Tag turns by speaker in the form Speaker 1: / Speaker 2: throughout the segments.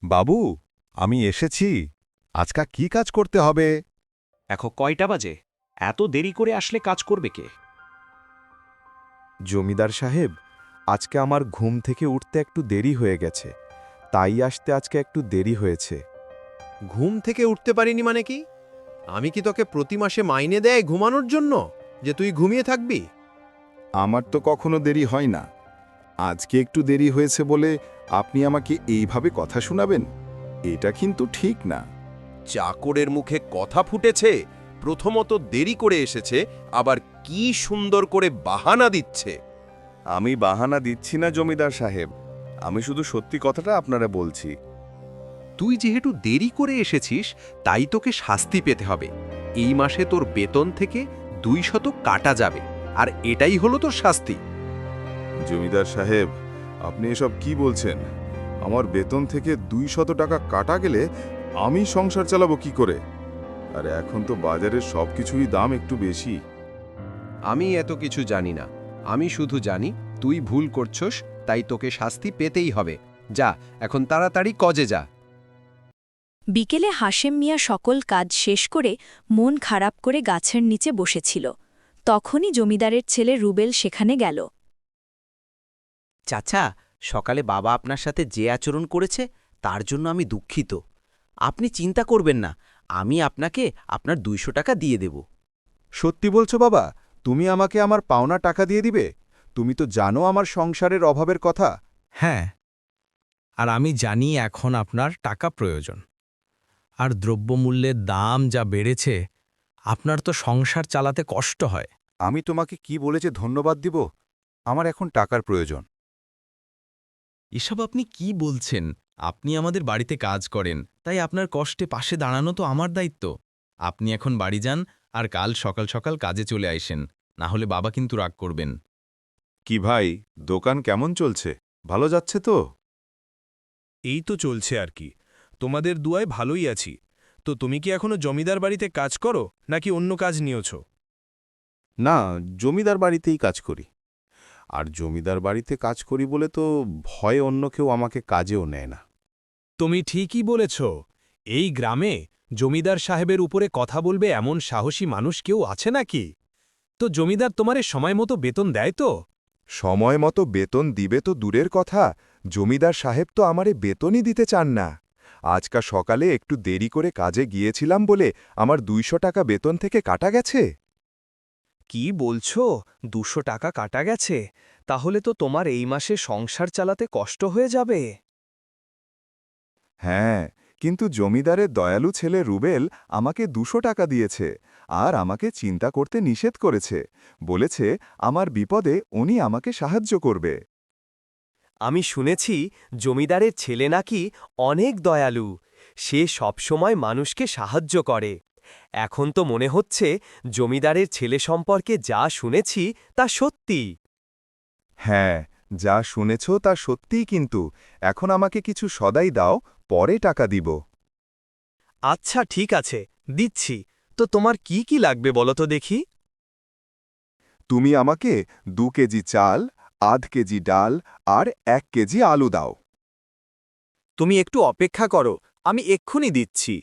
Speaker 1: বাবু, আমি এসেছি। আজকা কি কাজ করতে হবে?
Speaker 2: এখন কয়টা বাজে? এত দেরি করে আসলে কাজ করবে কে?
Speaker 3: জমিদার সাহেব, আজকে আমার ঘুম থেকে উঠতে একটু দেরি হয়ে গেছে, তাই আসতে আজকে একটু দেরি হয়েছে।
Speaker 4: ঘুম থেকে উঠতে পারিনি মানে কি? আমি কি তোকে প্রতি মাসে মাইনে দেয় ঘুমানোর জন্য, যে তুই ঘুমিয়ে থাকবি?
Speaker 3: আমার তো কখনো দেরি হয় না। আজকে একটু দেরি হয়েছে বলে আপনি আমাকে এইভাবে কথা শোনাবেন? এটা কিন্তু ঠিক না।
Speaker 5: চাকরের মুখে কথা ফুটেছে। প্রথমত দেরি করে এসেছে, আবার কি সুন্দর করে বাহানা দিচ্ছে।
Speaker 1: আমি বাহানা দিচ্ছি না জমিদার সাহেব, আমি শুধু সত্যি কথাটা আপনারা বলছি।
Speaker 5: তুই যেহেতু দেরি করে এসেছিস, তাই তোকে শাস্তি পেতে হবে। এই মাসে তোর বেতন থেকে 200 কাটা যাবে, আর এটাই হলো তোর শাস্তি।
Speaker 3: জমিদার সাহেব, আপনি এসব কি বলছেন? আমার বেতন থেকে 200 টাকা কাটা গেলে আমি সংসার চালাবো কি করে? আর এখন তো বাজারের সবকিছুরই দাম একটু বেশি।
Speaker 5: আমি এত কিছু জানি না। আমি শুধু জানি তুই ভুল করছস, তাই তোকে শাস্তি পেতেই হবে। যা, এখন তাড়াতাড়ি কজে যা।
Speaker 6: বিকেলে হাশেম মিয়া সকল কাজ শেষ করে মন খারাপ করে গাছের নিচে বসেছিল। তখনই জমিদারের ছেলে রুবেল সেখানে গেল।
Speaker 7: চাচা, সকালে বাবা আপনার সাথে যে আচরণ করেছে তার জন্য আমি দুঃখিত। আপনি চিন্তা করবেন না, আমি আপনাকে আপনার 200 টাকা দিয়ে দেব।
Speaker 3: সত্যি বলছো বাবা? তুমি আমাকে আমার পাওনা টাকা দিয়ে দিবে? তুমি তো জানো আমার সংসারের অভাবের কথা।
Speaker 8: হ্যাঁ, আর আমি জানি এখন আপনার টাকা প্রয়োজন। আর দ্রব্যমূল্যের দাম যা বেড়েছে, আপনার তো সংসার চালাতে কষ্ট হয়।
Speaker 3: আমি তোমাকে কি বলে যে ধন্যবাদ দিব? আমার এখন টাকার প্রয়োজন।
Speaker 8: এসব আপনি কি বলছেন? আপনি আমাদের বাড়িতে কাজ করেন, তাই আপনার কষ্টে পাশে দাঁড়ানো তো আমার দায়িত্ব। আপনি এখন বাড়ি যান আর কাল সকাল সকাল কাজে চলে আইসেন, না হলে বাবা কিন্তু রাগ করবেন।
Speaker 3: কি ভাই, দোকান কেমন চলছে? ভালো যাচ্ছে তো?
Speaker 9: এই তো চলছে আর কি। তোমাদের দুয়ায় ভালোই আছি। তো তুমি কি এখনো জমিদার বাড়িতে কাজ করো, নাকি অন্য কাজ নিয়েছ?
Speaker 3: না, জমিদার বাড়িতেই কাজ করি। আর জমিদার বাড়িতে কাজ করি বলে তো ভয়ে অন্য কেউ আমাকে কাজেও নেয় না।
Speaker 9: তুমি ঠিকই বলেছ। এই গ্রামে জমিদার সাহেবের উপরে কথা বলবে এমন সাহসী মানুষ কেউ আছে নাকি? তো জমিদার তোমারে সময় মতো বেতন দেয় তো?
Speaker 3: সময় মতো বেতন দিবে তো দূরের কথা, জমিদার সাহেব তো আমারে বেতনই দিতে চান না। আজকা সকালে একটু দেরি করে কাজে গিয়েছিলাম বলে আমার 200 টাকা বেতন থেকে কাটা গেছে।
Speaker 9: কি বলছো? 200 টাকা কাটা গেছে? তাহলে তো তোমার এই মাসে সংসার চালাতে কষ্ট হয়ে যাবে।
Speaker 3: হ্যাঁ, কিন্তু জমিদারের দয়ালু ছেলে রুবেল আমাকে 200 টাকা দিয়েছে, আর আমাকে চিন্তা করতে নিষেধ করেছে। বলেছে আমার বিপদে উনি আমাকে সাহায্য করবে।
Speaker 2: আমি শুনেছি জমিদারের ছেলে নাকি অনেক দয়ালু। সে সবসময় মানুষকে সাহায্য করে। এখন তো মনে হচ্ছে জমিদারের ছেলে সম্পর্কে যা শুনেছি তা সত্যি।
Speaker 3: হ্যাঁ, যা শুনেছ তা সত্যিই, কিন্তু এখন আমাকে কিছু সদাই দাও, পরে টাকা দিব।
Speaker 2: আচ্ছা, ঠিক আছে, দিচ্ছি। তো তোমার কি কি লাগবে বলো তো দেখি।
Speaker 3: তুমি আমাকে 2 কেজি চাল, আধ কেজি ডাল আর 1 কেজি আলু দাও।
Speaker 2: তুমি একটু অপেক্ষা করো, আমি এক্ষুনি দিচ্ছি।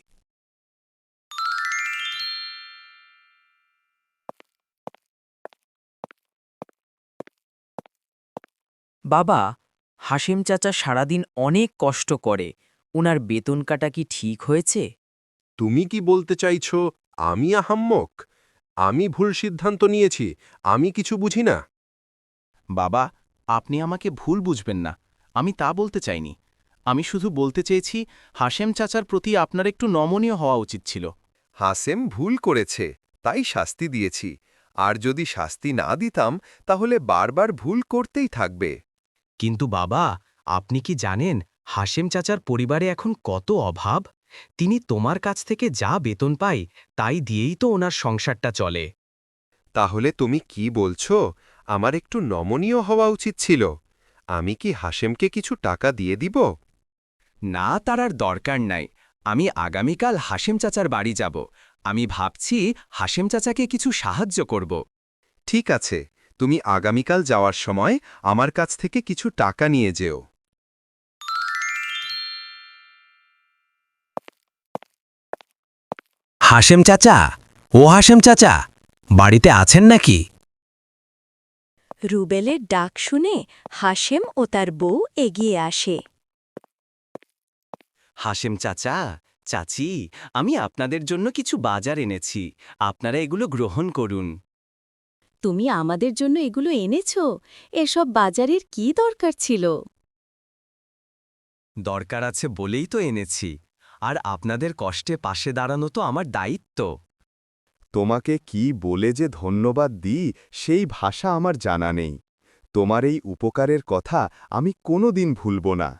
Speaker 7: বাবা, হাসেম চাচা সারাদিন অনেক কষ্ট করে, ওনার বেতন কাটা কি ঠিক হয়েছে?
Speaker 5: তুমি কি বলতে চাইছ আমি আহাম্মক? আমি ভুল সিদ্ধান্ত নিয়েছি, আমি কিছু বুঝি না।
Speaker 7: বাবা, আপনি আমাকে ভুল বুঝবেন না, আমি তা বলতে চাইনি। আমি শুধু বলতে চেয়েছি হাসেম চাচার প্রতি আপনার একটু নমনীয় হওয়া উচিত ছিল।
Speaker 5: হাসেম ভুল করেছে, তাই শাস্তি দিয়েছি। আর যদি শাস্তি না দিতাম, তাহলে বারবার ভুল করতেই থাকবে।
Speaker 8: কিন্তু বাবা, আপনি কি জানেন হাশেম চাচার পরিবারে এখন কত অভাব? তিনি তোমার কাছ থেকে যা বেতন পায় তাই দিয়েই তো ওনার সংসারটা চলে।
Speaker 5: তাহলে তুমি কি বলছো? আমার একটু নমনীয় হওয়া উচিত ছিল। আমি কি হাসেমকে কিছু টাকা দিয়ে দিব?
Speaker 2: না, তার আর দরকার নাই। আমি আগামীকাল হাশেম চাচার বাড়ি যাব। আমি ভাবছি হাশেম চাচাকে কিছু সাহায্য করব।
Speaker 5: ঠিক আছে, তুমি আগামীকাল যাওয়ার সময় আমার কাছ থেকে কিছু টাকা নিয়ে যেও। হাশেম চাচা, ও হাশেম চাচা, বাড়িতে আছেন নাকি?
Speaker 6: রুবেলের ডাক শুনে হাশেম ও তার বউ এগিয়ে আসে।
Speaker 2: হাশেম চাচা, চাচি, আমি আপনাদের জন্য কিছু বাজার এনেছি, আপনারা এগুলো গ্রহণ করুন।
Speaker 6: তুমি আমাদের জন্য এগুলো এনেছ? এসব বাজারের কি দরকার ছিল?
Speaker 2: দরকার আছে বলেই তো এনেছি, আর আপনাদের কষ্টে পাশে দাঁড়ানো তো আমার দায়িত্ব।
Speaker 1: তোমাকে কি বলে যে ধন্যবাদ দিই সেই ভাষা আমার জানা নেই। তোমার এই উপকারের কথা আমি কোনোদিন ভুলব না।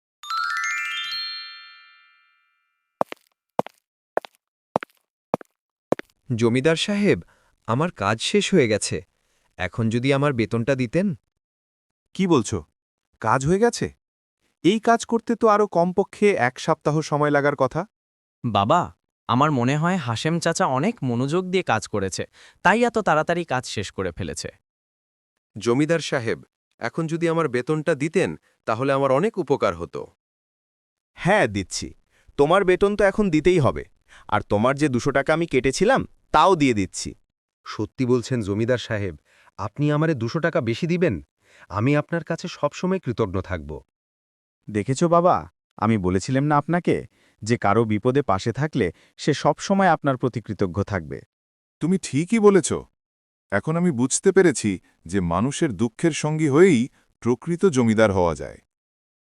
Speaker 4: জমিদার সাহেব, আমার কাজ শেষ হয়ে গেছে। এখন যদি আমার বেতনটা দিতেন।
Speaker 3: কি বলছো? কাজ হয়ে গেছে? এই কাজ করতে তো আরও কমপক্ষে 1 সপ্তাহ সময় লাগার কথা।
Speaker 7: বাবা, আমার মনে হয় হাশেম চাচা অনেক মনোযোগ দিয়ে কাজ করেছে, তাই এত তাড়াতাড়ি কাজ শেষ করে ফেলেছে।
Speaker 4: জমিদার সাহেব, এখন যদি আমার বেতনটা দিতেন তাহলে আমার অনেক উপকার হতো।
Speaker 1: হ্যাঁ, দিচ্ছি। তোমার বেতন তো এখন দিতেই হবে, আর তোমার যে 200 টাকা আমি কেটেছিলাম তাও দিয়ে দিচ্ছি।
Speaker 4: সত্যি বলছেন জমিদার সাহেব, আপনি আমারে 200 টাকা বেশি দিবেন? আমি আপনার কাছে সবসময় কৃতজ্ঞ থাকব।
Speaker 10: দেখেছো বাবা, আমি বলেছিলাম না আপনাকে যে কারো বিপদে পাশে থাকলে সে সবসময় আপনার প্রতি কৃতজ্ঞ থাকবে।
Speaker 3: তুমি ঠিকই বলেছ। এখন আমি বুঝতে পেরেছি যে মানুষের দুঃখের সঙ্গী হয়েই প্রকৃত জমিদার হওয়া যায়।